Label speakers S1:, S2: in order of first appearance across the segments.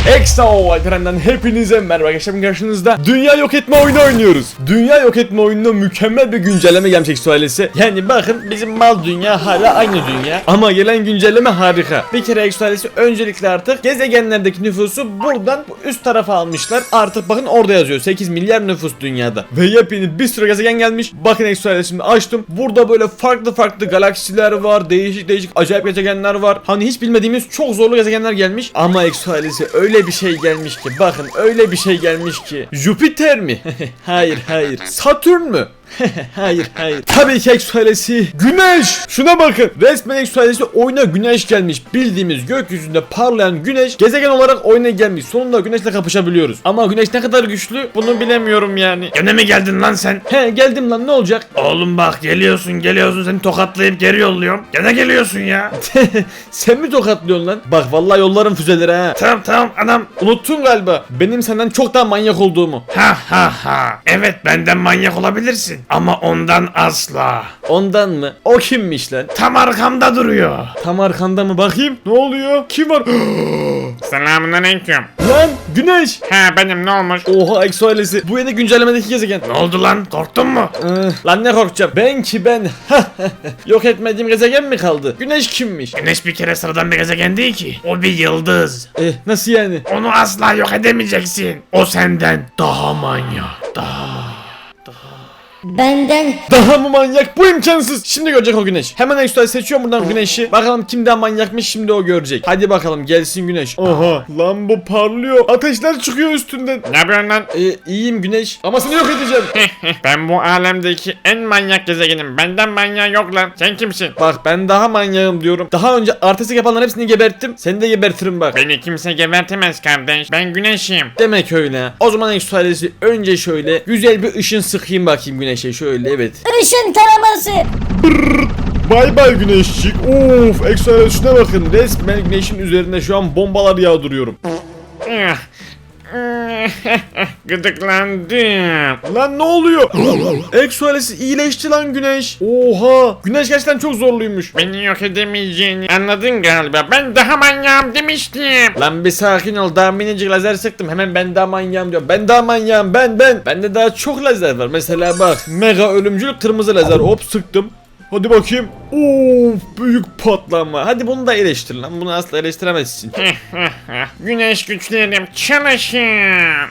S1: Ekstra Alperen'den hepinize merhaba arkadaşlar, karşınızda dünya yok etme oyunu oynuyoruz. Dünya yok etme oyununa mükemmel bir güncelleme gelmiş Exoales'e. Yani bakın, bizim mal dünya hala aynı dünya ama gelen güncelleme harika. Bir kere Exoales'i öncelikle artık gezegenlerdeki nüfusu buradan üst tarafa almışlar. Artık bakın orada yazıyor 8 milyar nüfus dünyada. Ve yepyeni bir sürü gezegen gelmiş. Bakın Exoales'i şimdi açtım. Burada böyle farklı galaksiler var. Değişik acayip gezegenler var. Hani hiç bilmediğimiz çok zorlu gezegenler gelmiş. Ama Exoales'e öyle bir şey gelmiş ki, bakın öyle bir şey gelmiş ki. Jüpiter mi? Hayır. Satürn mü? Hayır. Tabii ki Exoales'i Güneş. Şuna bakın. Resmen Exoales'i oyuna Güneş gelmiş. Bildiğimiz gökyüzünde parlayan Güneş gezegen olarak oyuna gelmiş. Sonunda Güneş'le kapışabiliyoruz. Ama Güneş ne kadar güçlü bunu bilemiyorum yani.
S2: Gene mi geldin lan sen?
S1: He, geldim lan, ne olacak?
S2: Oğlum bak, geliyorsun seni tokatlayıp geri yolluyorum. Gene geliyorsun ya.
S1: Sen mi tokatlıyorsun lan? Bak vallahi yollarım füzeleri ha.
S2: Tamam anam.
S1: Unuttun galiba benim senden çok daha manyak olduğumu.
S2: Ha. Evet, benden manyak olabilirsin. Ama ondan asla.
S1: Ondan mı? O kimmiş lan?
S2: Tam arkamda duruyor.
S1: Tam arkanda mı? Bakayım. Ne oluyor? Kim var?
S2: Selamünaleyküm.
S1: Lan Güneş.
S2: Ha, benim, ne olmuş?
S1: Oha, Exoales'i. Bu yeni güncellemedeki gezegen.
S2: Ne oldu lan? Korktun mu?
S1: Lan ne korkacağım? Ben. Yok etmediğim gezegen mi kaldı? Güneş kimmiş?
S2: Güneş bir kere sıradan bir gezegen değil ki. O bir yıldız.
S1: Nasıl yani?
S2: Onu asla yok edemeyeceksin. O senden daha manyak.
S3: Benden
S1: Daha mı manyak? Bu imkansız. Şimdi görecek o Güneş. Hemen Exoales seçiyorum buradan Güneş'i. Bakalım kim daha manyakmış, şimdi o görecek. Hadi bakalım, gelsin Güneş. Oha lan, bu parlıyor. Ateşler çıkıyor üstünden.
S2: Ne yapıyorsun lan?
S1: İyiyim Güneş. Ama seni yok edeceğim.
S2: Ben bu alemdeki en manyak gezegenim. Benden manyak yok lan. Sen kimsin?
S1: Bak, ben daha manyağım diyorum. Daha önce artistik yapanların hepsini geberttim. Seni de gebertirim bak.
S2: Beni kimse gebertemez kardeş. Ben güneşim.
S1: Demek öyle. O zaman Exoales'i önce şöyle güzel bir ışın sıkayım bakayım Güneş'e. Şöyle, evet.
S3: ışın taraması.
S1: Bay Güneşçik. Of, Exoales şuna bakın. Resmen Güneş'in üzerine şu an bombalar yağdırıyorum.
S2: Gıdıklandım.
S1: Lan ne oluyor? Exoales iyileşti lan Güneş. Oha. Güneş gerçekten çok zorluymuş.
S2: Beni yok edemeyeceğini anladın galiba. Ben daha manyağım demiştim.
S1: Lan bir sakin ol. Daha minicik lazer sıktım. Hemen ben daha manyağım diyorum. Ben daha manyağım. Ben. Bende daha çok lazer var. Mesela bak. Mega ölümcül kırmızı lazer. Hop, sıktım. Hadi bakayım. Of, büyük patlama. Hadi bunu da eleştir lan. Bunu asla eleştiremezsin.
S2: Güneş güçlerim çalışın.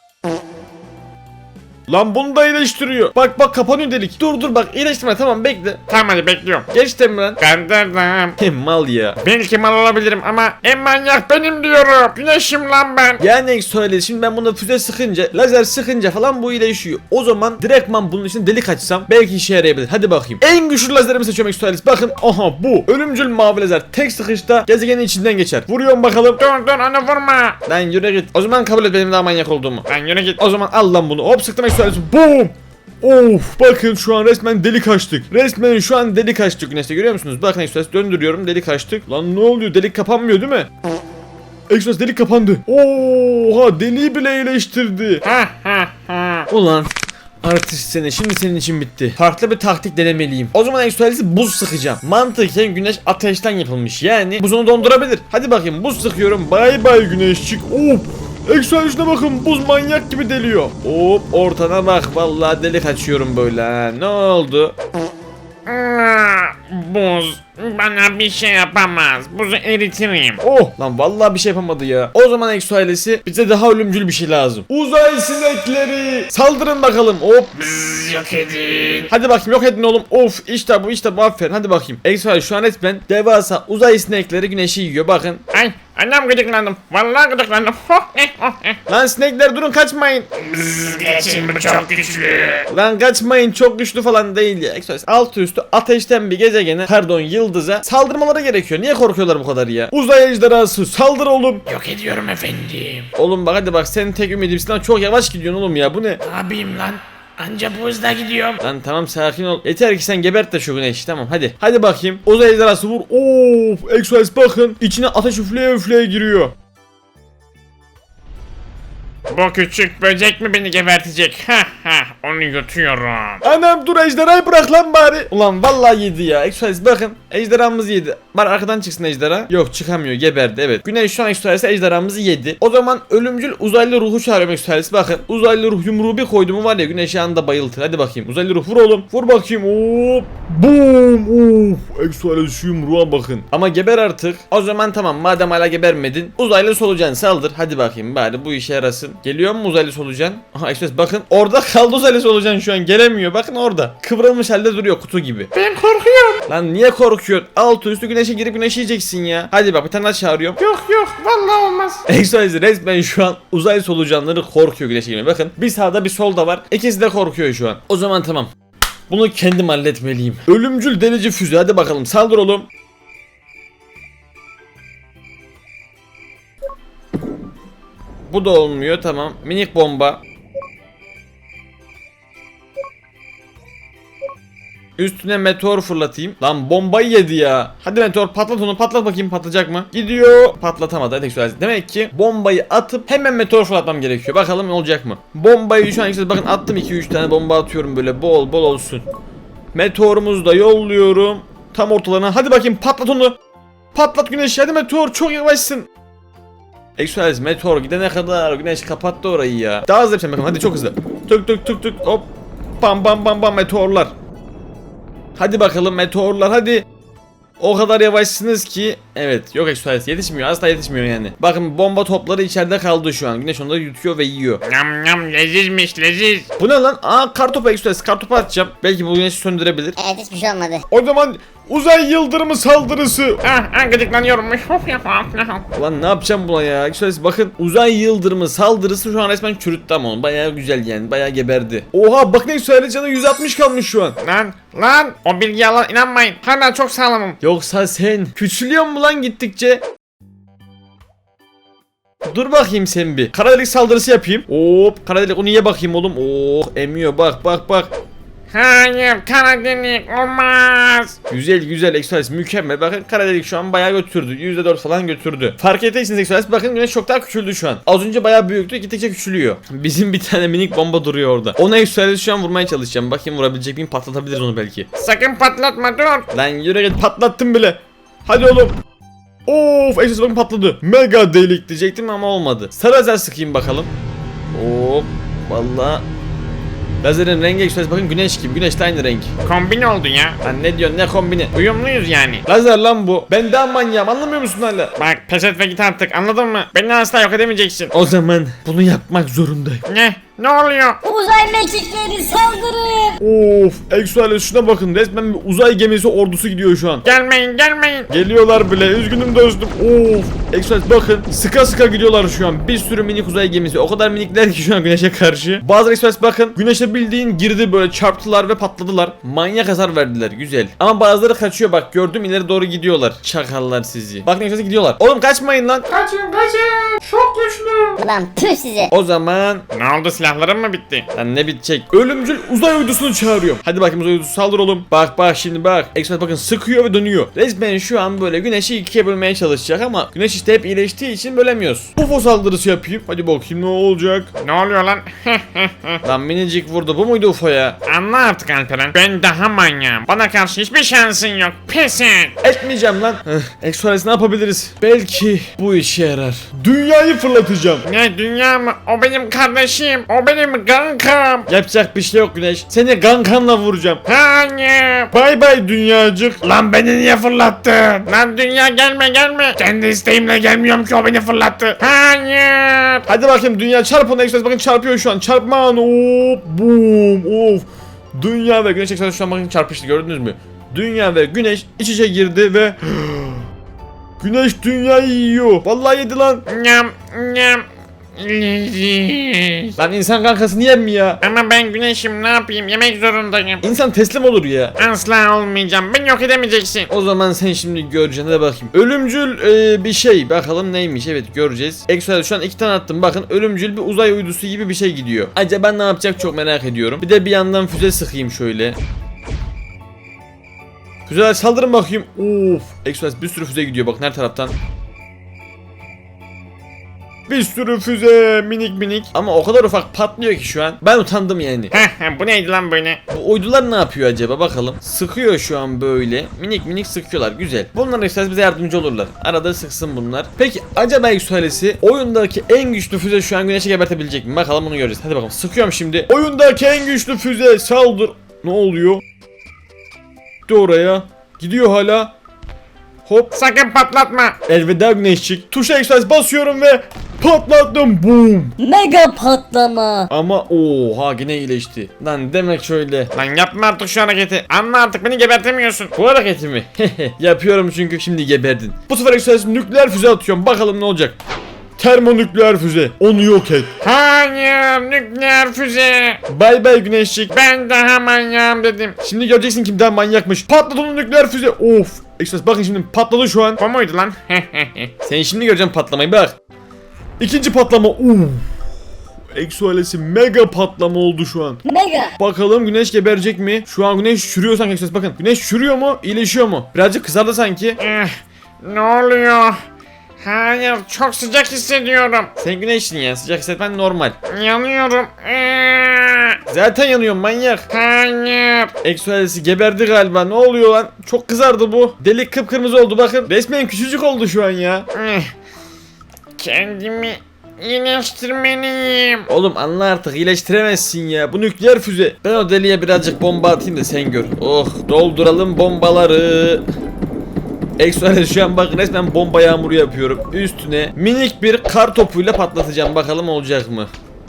S1: Lan bunu da iyileştiriyor. Bak kapanıyor delik. Dur bak, iyileştirme, tamam, bekle.
S2: Tamam, hadi bekliyorum.
S1: Geç mi lan?
S2: Kandırdım.
S1: Mal ya.
S2: Belki mal olabilirim ama en manyak benim diyorum. Güneşim lan ben.
S1: Yani Exoales, şimdi ben buna füze sıkınca, lazer sıkınca falan bu iyileşiyor. O zaman direktman bunun için delik açsam belki işe yarayabilir. Hadi bakayım. En güçlü lazerimi seçiyorum Exoales. Bakın, aha bu. Ölümcül mavi lazer. Tek sıkışta gezegenin içinden geçer. Vuruyorum bakalım.
S2: Dur onu vurma.
S1: Lan yürü git. O zaman kabul et benim daha manyak olduğumu.
S2: Lan yürü git.
S1: O zaman al lan bunu. Hop, sıktım Exoales. Boom. Of, bakın şu an resmen delik açtık. Resmen şu an delik açtık Güneş'te, görüyor musunuz? Bakın Exoales, döndürüyorum, delik açtık. Lan ne oluyor? Delik kapanmıyor değil mi? Exoales, delik kapandı. Oha, deliği bile iyileştirdi. Ulan artist seni, şimdi senin için bitti. Farklı bir taktik denemeliyim. O zaman Exoales'i buz sıkacağım. Mantıken Güneş ateşten yapılmış, yani buz onu dondurabilir. Hadi bakayım, buz sıkıyorum. Bay Güneşçik. Of, Exoales'ine bakın, buz manyak gibi deliyor. Hop, ortana bak, vallahi delik açıyorum böyle ha. Ne oldu?
S2: Buz bana bir şey yapamaz. Buzu eritirim.
S1: Oh lan, vallahi bir şey yapamadı ya. O zaman Exoales'i, bize daha ölümcül bir şey lazım. Uzay sinekleri, saldırın bakalım. Hop.
S2: Bzzz, yok edin.
S1: Hadi bakayım, yok edin oğlum. Of, işte bu aferin. Hadi bakayım. Exoales şu an resmen devasa uzay sinekleri Güneş'i yiyor, bakın.
S2: Ay, annem gıdıklandım. Vallahi gıdıklandım.
S1: Lan sinekler, durun, kaçmayın.
S2: Bzzz, geçin, bu çok güçlü.
S1: Lan kaçmayın, çok güçlü falan değil ya. Exoales altı üstü ateşten bir gezegene, pardon yıldıza saldırmaları gerekiyor. Niye korkuyorlar bu kadar ya? Uzay ejderhası, saldır oğlum.
S2: Yok ediyorum efendim.
S1: Oğlum bak, hadi bak, senin tek ümidimsin lan, çok yavaş gidiyorsun oğlum ya, bu ne?
S2: Ne yapayım lan? Anca bu hızla gidiyorum.
S1: Lan tamam, sakin ol. Yeter ki sen gebert de şu Güneş'i, tamam hadi. Hadi bakayım. Uzay ejderhası vur. Of, Exoales bakın, içine ateş üfleye giriyor.
S2: Bu küçük böcek mi beni gebertecek? Ha ha, onu yutuyorum.
S1: Anam dur, ejderhayı bırak lan bari. Ulan vallahi yedi ya. Exodus bakın, ejderhamızı yedi. Bari arkadan çıksın ejderha. Yok, çıkamıyor, geberdi. Evet. Güneş şu an Exodus ejderhamızı yedi. O zaman ölümcül uzaylı ruhu çağırıyorum Exodus. Bakın, uzaylı ruh yumruğu bir koydu mu var ya, Güneş'i anında bayıltır. Hadi bakayım, uzaylı ruh vur oğlum. Vur bakayım. Hop. Boom. Exodus şu yumruğa bakın. Ama geber artık. O zaman tamam, madem hala gebermedin, uzaylı solucan saldır. Hadi bakayım, bari bu işe yarasın. Geliyor mu uzaylı solucan? Aha Exodus bakın, orada kaldı uzaylı solucan, şu an gelemiyor. Bakın orada. Kıvrılmış halde duruyor, kutu gibi.
S2: Ben korkuyorum.
S1: Lan niye korkuyorsun? Altı üstü güneşe girip güneşi yiyeceksin ya. Hadi bak, bir tane daha çağırıyorum.
S2: Yok vallahi olmaz.
S1: Exodus resmen şu an uzay solucanları korkuyor güneşe girmeye. Bakın, bir sağda bir solda var. İkisi de korkuyor şu an. O zaman tamam. Bunu kendim halletmeliyim. Ölümcül delici füze, hadi bakalım saldır oğlum. Bu da olmuyor, tamam. Minik bomba. Üstüne meteor fırlatayım. Lan bombayı yedi ya. Hadi meteor patlat onu, patlat bakayım, patlayacak mı? Gidiyor. Patlatamadı. Hadi güzel. Demek ki bombayı atıp hemen meteor fırlatmam gerekiyor. Bakalım ne olacak mı? Bombayı şu an işte bakın attım, 2-3 tane bomba atıyorum böyle bol bol olsun. Meteorumuzu da yolluyorum. Tam ortalarına. Hadi bakayım, patlat onu. Patlat güneş. Hadi meteor, çok yavaşsın. Exodus meteor gidene kadar güneş kapattı orayı ya. Daha hızlı yapacağım bakın, hadi çok hızlı. Tık tık tık tık hop. Bam bam bam bam meteorlar. Hadi bakalım meteorlar, hadi. O kadar yavaşsınız ki. Evet, yok Exodus yetişmiyor, asla yetişmiyor yani. Bakın, bomba topları içeride kaldı şu an. Güneş onları yutuyor ve yiyor.
S2: Yam yam, lezizmiş leziz.
S1: Bu ne lan? Aa, kartopu Exodus, kartopu atacağım. Belki bu güneşi söndürebilir.
S3: Evet, hiçbir şey olmadı.
S1: O zaman uzay yıldırımı saldırısı.
S2: Gıdıklanıyorum.
S1: Ulan ne yapacağım buna ya? Exodus bakın, uzay yıldırımı saldırısı şu an resmen çürüttü ama onu. Bayağı güzel yani, bayağı geberdi. Oha bak, ne söyle, canı 160 kalmış şu an.
S2: Lan o bilgiye inanmayın. Hala çok sağlamım.
S1: Yoksa sen küçülüyor mu lan gittikçe? Dur bakayım sen bir. Kara delik saldırısı yapayım. Hop, kara delik, onu ye bakayım oğlum. Oh, emiyor, bak bak bak.
S2: Hayır, kara delik olmaz.
S1: Güzel güzel Exodus, mükemmel. Bakın, kara delik şu an bayağı götürdü. %4 falan götürdü. Fark ettiyseniz Exodus bakın, güneş çok daha küçüldü şu an. Az önce bayağı büyüktü, gittikçe küçülüyor. Bizim bir tane minik bomba duruyor orada. Ona Exodus şu an vurmaya çalışacağım. Bakayım vurabilecek miyim, patlatabiliriz onu belki.
S2: Sakın patlatma, dur.
S1: Lan yürü git, patlattım bile. Hadi oğlum. Of, Exodus bakın patladı. Mega delik diyecektim ama olmadı. Sarı lazer sıkayım bakalım. Hop, vallahi. Lazerin rengi Exodus bakın güneş gibi. Güneş de aynı renk.
S2: Kombin oldu ya.
S1: Lan ne diyorsun, ne kombini?
S2: Uyumluyuz yani.
S1: Lazer lan bu. Ben daha manyağım, anlamıyor musun hala?
S2: Bak, pes et ve git artık, anladın mı? Beni asla yok edemeyeceksin.
S1: O zaman bunu yapmak zorundayım.
S2: Ne oluyor?
S3: Uzay mekikleri saldırın.
S1: Of, Exodus şuna bakın, resmen bir uzay gemisi ordusu gidiyor şu an.
S2: Gelmeyin.
S1: Geliyorlar bile, üzgünüm dostum. Of, Exodus bakın, sıka sıka gidiyorlar şu an. Bir sürü minik uzay gemisi, o kadar minikler ki şu an güneşe karşı. Bazı Exodus bakın, güneşe bildiğin girdi, böyle çarptılar ve patladılar. Manyak hasar verdiler, güzel. Ama bazıları kaçıyor, bak gördüm, ileri doğru gidiyorlar. Çakallar sizi. Bak ne güzel gidiyorlar. Oğlum kaçmayın lan.
S2: Kaçın. Çok güçlü.
S3: Ulan püh size.
S1: O zaman
S2: Ne oldu, silahlarım mı bitti?
S1: lan ne bitecek? Ölümcül uzay uydusunu çağırıyorum. Hadi bakayım, uzay uydusu saldır oğlum. Bak bak şimdi bak. Exodus bakın sıkıyor ve dönüyor. Resmen şu an böyle güneşi ikiye bölmeye çalışacak ama güneş işte hep iyileştiği için bölemiyoruz. UFO saldırısı yapayım. Hadi bakayım ne olacak.
S2: Ne oluyor lan?
S1: Lan minicik vurdu. Bu muydu UFO ya?
S2: Anla artık Alperen. Ben daha manyağım. Bana karşı hiçbir şansın yok. Pes et.
S1: Etmeyeceğim lan. Exodus ne yapabiliriz? Belki bu işe yarar. Dünyayı fırlatacağım.
S2: Ne, dünya mı? O benim kardeşim. O benim kankam.
S1: Yapacak bir şey yok güneş. Seni gankanla vuracağım.
S2: Hayır.
S1: Bay bay dünyacık.
S2: Lan beni niye fırlattın? Lan dünya, gelme. Kendi isteğimle gelmiyorum ki, o beni fırlattı. Hayır.
S1: Hadi bakayım dünya, çarp ona Exodus, bakın çarpıyor şu an. Çarpman, hop, boom, of. Dünya ve güneş Exodus şu an bakın çarpıştı, gördünüz mü? Dünya ve güneş iç içe girdi ve güneş dünyayı yiyor. Vallahi yedi lan.
S2: Nyam. Leziz.
S1: Lan insan kankasını yer mi ya?
S2: Ama ben güneşim, ne yapayım? Yemek zorundayım.
S1: İnsan teslim olur ya.
S2: Asla olmayacağım. Beni yok edemeyeceksin.
S1: O zaman sen şimdi göreceksin, hadi bakayım. Ölümcül bir şey, bakalım neymiş, evet göreceğiz. Exodus şu an 2 tane attım, bakın ölümcül bir uzay uydusu gibi bir şey gidiyor. Acaba ne yapacak, çok merak ediyorum. Bir de bir yandan füze sıkayım şöyle. Füzeler saldırın bakayım. Of, Exodus bir sürü füze gidiyor, bakın her taraftan. bir sürü füze minik minik. Ama o kadar ufak patlıyor ki şu an. Ben utandım yani.
S2: Bu neydi lan böyle?
S1: Bu uydular ne yapıyor acaba bakalım. Sıkıyor şu an böyle. Minik minik sıkıyorlar. Güzel. Bunlar işte bize yardımcı olurlar. Arada sıksın bunlar. Peki acaba Exoales'i oyundaki en güçlü füze şu an güneşi gebertebilecek mi? Bakalım bunu göreceğiz. Hadi bakalım. Sıkıyorum şimdi. Oyundaki en güçlü füze saldır. Ne oluyor? Gitti oraya. Gidiyor hala. Hop.
S2: Sakın patlatma.
S1: Elveda güneşçik. Tuşa Exoales basıyorum ve patlattım. Boom.
S3: Mega patlama.
S1: Ama oha yine iyileşti. Lan demek şöyle.
S2: Lan yapma artık şu hareketi. Anla artık beni gebertemiyorsun.
S1: Bu hareketi mi? Yapıyorum çünkü şimdi geberdin. Bu sefer Exoales nükleer füze atıyorum. Bakalım ne olacak. Termonükleer füze. Onu yok et.
S2: Hayır, nükleer füze.
S1: Bay bay güneşçik.
S2: Ben daha manyağım dedim.
S1: Şimdi göreceksin kim daha manyakmış. Patladı onun nükleer füze. Of. Exoales bakın şimdi patladı şu an.
S2: Bu muydu lan?
S1: Sen şimdi göreceksin patlamayı bak. İkinci patlama. Exoales'i mega patlama oldu şu an.
S3: Mega.
S1: Bakalım güneş geberecek mi? Şu an güneş çürüyor sanki Exoales bakın. Güneş çürüyor mu? İyileşiyor mu? Birazcık kızardı sanki.
S2: Ne oluyor? Hayır, çok sıcak hissediyorum.
S1: Sen güneşsin ya, sıcak hissetmen normal.
S2: Yanıyorum.
S1: Zaten yanıyor manyak.
S2: Hayır.
S1: Exoales'i geberdi galiba. Ne oluyor lan? Çok kızardı bu. Delik kıpkırmızı oldu bakın. Resmen küçücük oldu şu an ya.
S2: Kendimi iyileştirmeliyim.
S1: Oğlum anla artık, iyileştiremezsin ya. Bu nükleer füze. Ben o deliğe birazcık bomba atayım da sen gör. Oh, dolduralım bombaları. Exoales şu an bakın resmen bomba yağmuru yapıyorum. Üstüne minik bir kar topuyla patlatacağım. Bakalım olacak mı?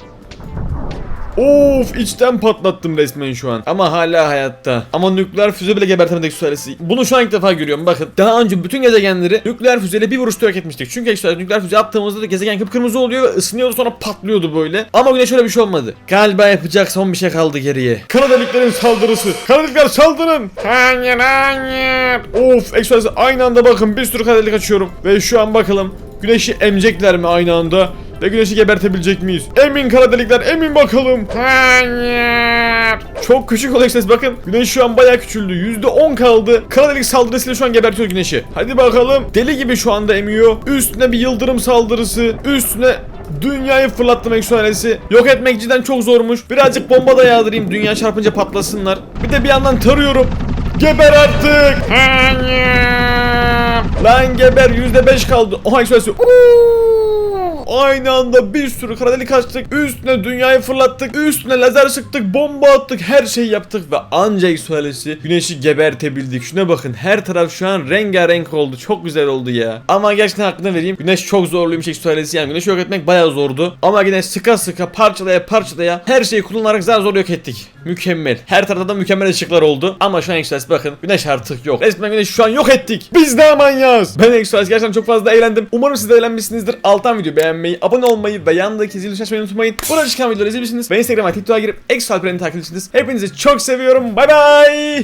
S1: Of, içten patlattım resmen şu an. Ama hala hayatta. Ama nükleer füze bile gebertemedik Exoales'i. Bunu şu an ilk defa görüyorum bakın. Daha önce bütün gezegenleri nükleer füzeyle bir vuruşta yok etmiştik. Çünkü Exoales nükleer füze attığımızda da gezegen kıpkırmızı oluyor ve ısınıyordu, sonra patlıyordu böyle. Ama güneş öyle bir şey olmadı. Galiba yapacak son bir şey kaldı geriye. Kara deliklerin saldırısı. Kara delikler saldırın.
S2: Hayır, hayır.
S1: Of, Exoales'e aynı anda bakın bir sürü kara delik açıyorum. Ve şu an bakalım güneşi emecekler mi aynı anda? Ve güneşi gebertebilecek miyiz? Emin kara delikler, emin bakalım.
S2: Hayır.
S1: Çok küçük olacak ses bakın. Güneş şu an bayağı küçüldü. %10 kaldı. Kara delik saldırısıyla şu an gebertiyor güneşi. Hadi bakalım. Deli gibi şu anda emiyor. Üstüne bir yıldırım saldırısı. Üstüne dünyayı fırlattım Exoales'i. Yok etmek cidden çok zormuş. Birazcık bomba da yağdırayım. Dünya çarpınca patlasınlar. Bir de bir yandan tarıyorum. Geber artık.
S2: Hayır.
S1: Lan geber, %5 kaldı. Oha Exoales'i. Aynı anda bir sürü kara delik açtık. Üstüne dünyayı fırlattık. Üstüne lazer sıktık. Bomba attık. Her şeyi yaptık ve ancak Exoales'i güneşi gebertebildik. Şuna bakın, her taraf şu an rengarenk oldu. Çok güzel oldu ya. Ama gerçekten hakkını vereyim. Güneş çok zorluymuş Exoales'i. Yani güneşi yok etmek bayağı zordu. Ama yine sıka sıka parçalaya parçalaya her şeyi kullanarak zar zor yok ettik. Mükemmel. Her tarafta da mükemmel ışıklar oldu. Ama şu an Exoales bakın, güneş artık yok. Resmen güneşi şu an yok ettik. Biz de manyağız. Ben Exoales gerçekten çok fazla eğlendim. Umarım siz de eğlenmişsinizdir. Alttan video beğenmeyi, abone olmayı ve yanındaki zil tuşuna açmayı unutmayın. Burada çıkan videoları izleyebilirsiniz. Ve Instagram'a, TikTok'a girip Exoales'i takip edebilirsiniz. Hepinizi çok seviyorum. Bay bay.